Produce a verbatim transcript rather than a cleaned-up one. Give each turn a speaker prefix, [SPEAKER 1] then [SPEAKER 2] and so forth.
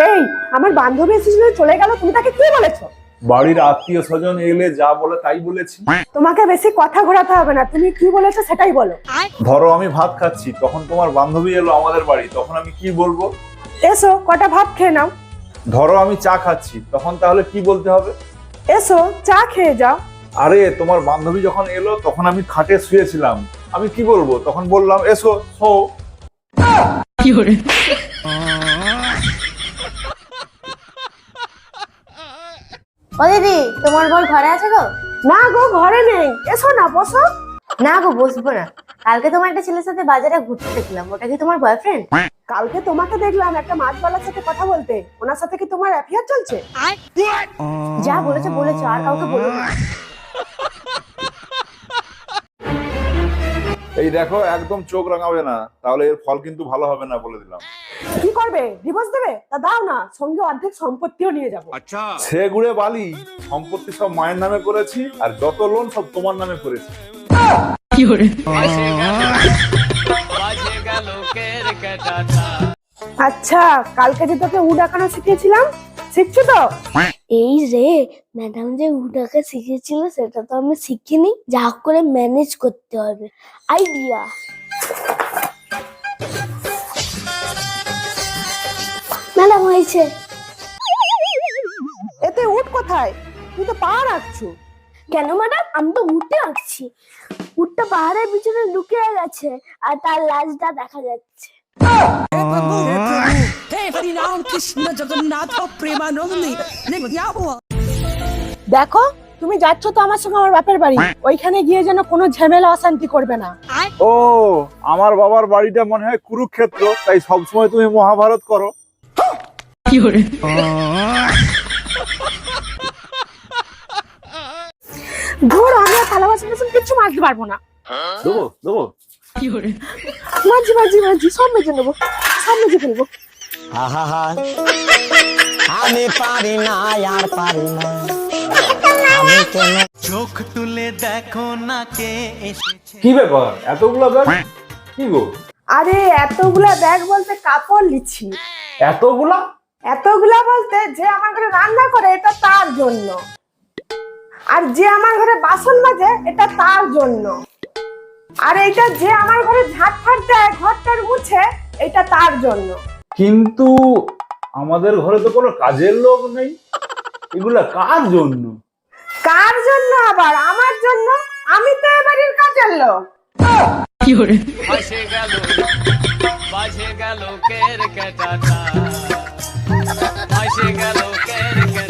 [SPEAKER 1] এই আমার বান্ধবী এসেছিল চলে গেল, তুমি তাকে কি বলেছো?
[SPEAKER 2] বাড়ির আত্মীয় স্বজন এলে যা বলে তাই বলেছি।
[SPEAKER 1] তোমাকে বেশি কথা ঘোরাতে হবে না, তুমি কি বলেছো সেটাই বলো।
[SPEAKER 2] ধরো আমি ভাত খাচ্ছি, তখন তোমার বান্ধবী এলো আমাদের বাড়ি, তখন আমি কি বলবো?
[SPEAKER 1] এসো কটা ভাত খেয়ে নাও।
[SPEAKER 2] ধরো আমি চা খাচ্ছি, তখন তাহলে কি বলতে হবে?
[SPEAKER 1] এসো চা খেয়ে যাও।
[SPEAKER 2] আরে তোমার বান্ধবী যখন এলো তখন আমি খাটে শুয়েছিলাম, আমি কি বলবো? তখন বললাম এসো শো।
[SPEAKER 3] ও দিদি, তোমার বর ঘরে আছে গো?
[SPEAKER 1] না গো, ঘরে নেই, এসো না বসো।
[SPEAKER 3] না গো, বসবো না। কালকে তোমার একটা ছেলের সাথে বাজারে ঘুরতে দেখলাম, ওটা কি তোমার বয়ফ্রেন্ড?
[SPEAKER 1] কালকে তোমাকে দেখলাম একটা মাছওয়ালার সাথে কথা বলতে, ওনার সাথে কি তোমার অ্যাফেয়ার চলছে?
[SPEAKER 3] যা বলেছো বলেছো, আর কাউকে বলো না।
[SPEAKER 2] এই দেখো, একদম চোখ রাঙাবে না, তাহলে এর ফল কিন্তু ভালো হবে না, বলে দিলাম।
[SPEAKER 1] কি করবে, ডিভোর্স দেবে? তা দাও না, সঙ্গে অর্ধেক সম্পত্তিও নিয়ে যাবো।
[SPEAKER 2] সে গুড়ে বালি, সম্পত্তি সব মায়ের নামে করেছি, আর যত লোন সব তোমার নামে করেছি।
[SPEAKER 1] আচ্ছা, কালকে যে তোকে উ ডাকানো শিখিয়েছিলাম, শিখছো তো?
[SPEAKER 4] এই রে, ম্যাডাম যে উটাকে শিখিয়েছিল সেটা তো আমি শিখিনি, যা হোক করে ম্যানেজ করতে হবে। আইডিয়া। ম্যাডাম হয়েছে।
[SPEAKER 1] এতে উঠ কোথায়? তুই তো পা রাখছো।
[SPEAKER 4] কেন ম্যাডাম, আমি তো উঠে আসছি। উটটা পাহাড়ের পিছনে লুকিয়ে গেছে আর তার লাশটা দেখা যাচ্ছে।
[SPEAKER 1] দেখো, তুমি যাচ্ছ তো আমার সঙ্গে আমার বাপের বাড়ি, ওইখানে গিয়ে যেন কোনো ঝামেলা অশান্তি করবে না।
[SPEAKER 2] ও, আমার বাবার বাড়িটা মনে হয় কুরুক্ষেত্র, তাই সবসময় তুমি মহাভারত করো।
[SPEAKER 1] ধর, আমি আর থালা বাসন টাসন কিচ্ছু মাজতে পারবো না।
[SPEAKER 2] দেবো দেবো
[SPEAKER 1] মাঝি মাঝি মাঝি সব মেজে নেবো, সব মেজে ফেলবো।
[SPEAKER 5] আমি পারি না, আর পারি না। আমি কেন
[SPEAKER 6] চোখ তুলে দেখো না কে এসেছে।
[SPEAKER 2] কি ব্যাপার, এতগুলা ব্যাগ কি গো?
[SPEAKER 1] আরে এতগুলা ব্যাগ বলতে কাপড় লিচ্ছি।
[SPEAKER 2] এতগুলা?
[SPEAKER 1] এতগুলা বলতে যে আমার ঘরে রান্না করে এটা তার জন্য, আর যে আমার ঘরে বাসন মাজে এটা তার জন্য, আর এইটা যে আমার ঘরে ঝাঁট ফাট দেয়, ঘরটার মুছে, এটা তার জন্য।
[SPEAKER 2] কিন্তু আমাদের ঘরে তো কোনো কাজের লোক নেই, এগুলা কার জন্য?
[SPEAKER 1] কার জন্য আবার? আমার জন্য, আমি তো এ বাড়ির কাজের লোক।
[SPEAKER 7] বাজে গেল বাজে গেল কের কেটাটা বাজে গেল